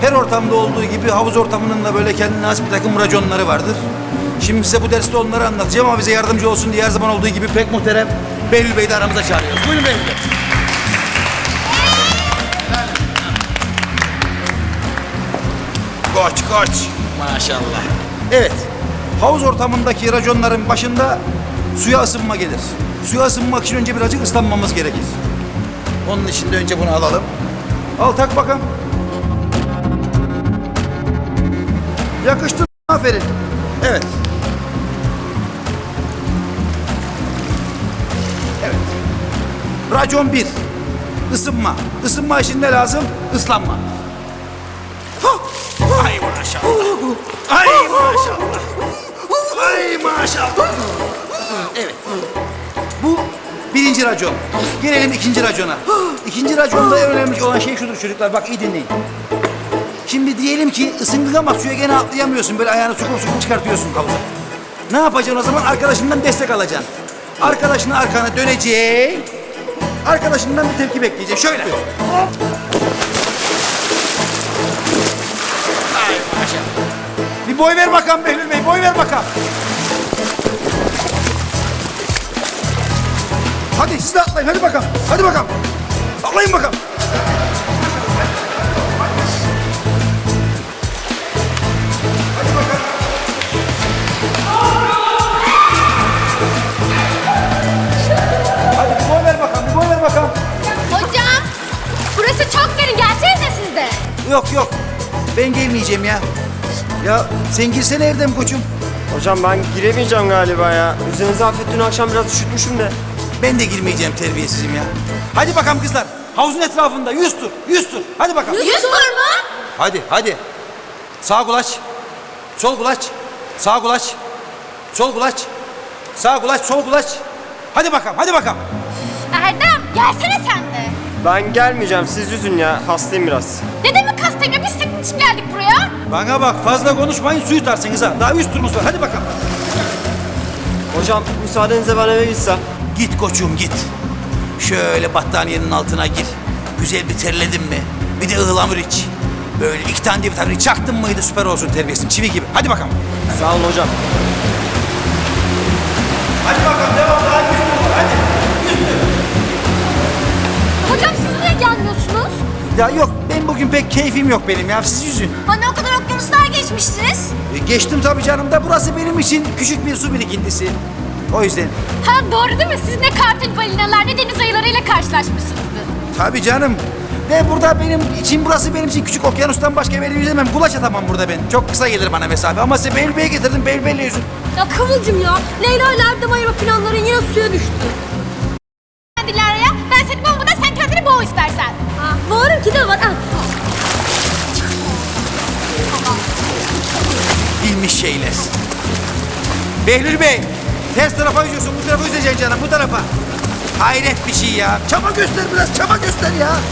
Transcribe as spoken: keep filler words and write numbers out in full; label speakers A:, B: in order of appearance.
A: her ortamda olduğu gibi havuz ortamının da böyle kendine has bir takım raconları vardır. Şimdi size bu derste onları anlatacağım ama bize yardımcı olsun diye her zaman olduğu gibi pek muhterem Behlül Bey'i de aramıza çağırıyoruz. Buyurun Behlül Bey. Koç koç. Maşallah. Evet. Havuz ortamındaki raconların başında suya ısınma gelir. Suya ısınmak için önce birazcık ıslanmamız gerekir. Onun için de önce bunu alalım. Al tak bakalım. Yakıştı. Aferin. Evet. Evet. Racon bir. Isınma. Isınma için ne lazım? Islanma. Ay maşallah. Ay maşallah. Ay maşallah. Evet. Bu birinci racon. Gelelim ikinci racona. İkinci raconda en önemli olan şey şudur çocuklar. Bak iyi dinleyin. Şimdi diyelim ki ısındın ama suya gene atlayamıyorsun. Böyle ayağını sokup sokup çıkartıyorsun havuza. Ne yapacaksın o zaman? Arkadaşından destek alacaksın. Arkadaşına arkana döneceksin. Arkadaşından bir tepki bekleyeceksin. Şöyle. Hop. Ay maşallah. Bir boy ver bakalım Behlül Bey. Boy ver bakalım. Hadi siz de atlayın. Hadi bakalım. Hadi bakalım. Atlayın bakalım. Hadi bir boy ver bakalım. Bir boy ver bakalım.
B: Hocam, burası çok derin. Gelsenize siz de.
A: Yok yok. Ben gelmeyeceğim ya. Ya sen girsene Erdem koçum.
C: Hocam ben giremeyeceğim galiba ya. Üzerinize hafif dün akşam biraz üşütmüşüm de.
A: Ben de girmeyeceğim terbiyesizim ya. Hadi bakalım kızlar. Havuzun etrafında yüz tur. Yüz tur. Hadi bakalım.
B: Yüz tur mu?
A: Hadi hadi. Sağ kulaç. Sol kulaç. Sağ kulaç. Sol kulaç. Sağ kulaç, sol kulaç. Hadi bakalım, hadi bakalım.
B: Erdem, gelsene sen de.
C: Ben gelmeyeceğim, siz yüzün ya. Hastayım biraz.
B: Ne demek hastayım ya? Biz senin için geldik buraya.
A: Bana bak, fazla konuşmayın, suyu tutarsınız ha. Daha yüz turumuz var, hadi bakalım.
C: Hocam müsaadenizle ben eve gitsem.
A: Git koçum git. Şöyle battaniyenin altına gir. Güzel bir terledin mi? Bir de ıhlamur iç. Böyle iki tane de vitamin çaktın mıydı süper olsun terbiyesin. Çivi gibi. Hadi bakalım.
C: Sağ olun hocam.
A: Hadi bakalım devam. Daha yüz tur var. Hadi. Yüz tur.
B: Hocam siz niye gelmiyorsunuz?
A: Ya yok ben bugün pek keyfim yok benim ya. Siz yüzün.
B: Hani o kadar okyanuslar geçmiştiniz.
A: E, geçtim tabii canım da burası benim için küçük bir su birikintisi. O yüzden.
B: Ha doğru değil mi? Siz ne kartal balinalar ne deniz ayılarıyla karşılaşmışsınızdır.
A: Tabii canım. Ve burada benim için burası benim için küçük okyanustan başka bir yere yüzemem. Kulaç atamam burada ben. Çok kısa gelir bana mesafe. Ama size Behlül Bey'e getirdim. Behlül Bey'le yüzün.
B: Ya Kıvılcım ya. Leyla ile Erdem ayırma planların yine suya düştü. Dilara'ya ben seni boğmadan sen kendini boğ istersen. Ha, boğarım ki de var. Ha.
A: Bilmiş şeyler. Behlül Bey. Ters tarafa yüzüyorsun. Bu tarafa yüzeceksin canım. Bu tarafa. Hayret bir şey ya. Çaba göster biraz. Çaba göster ya.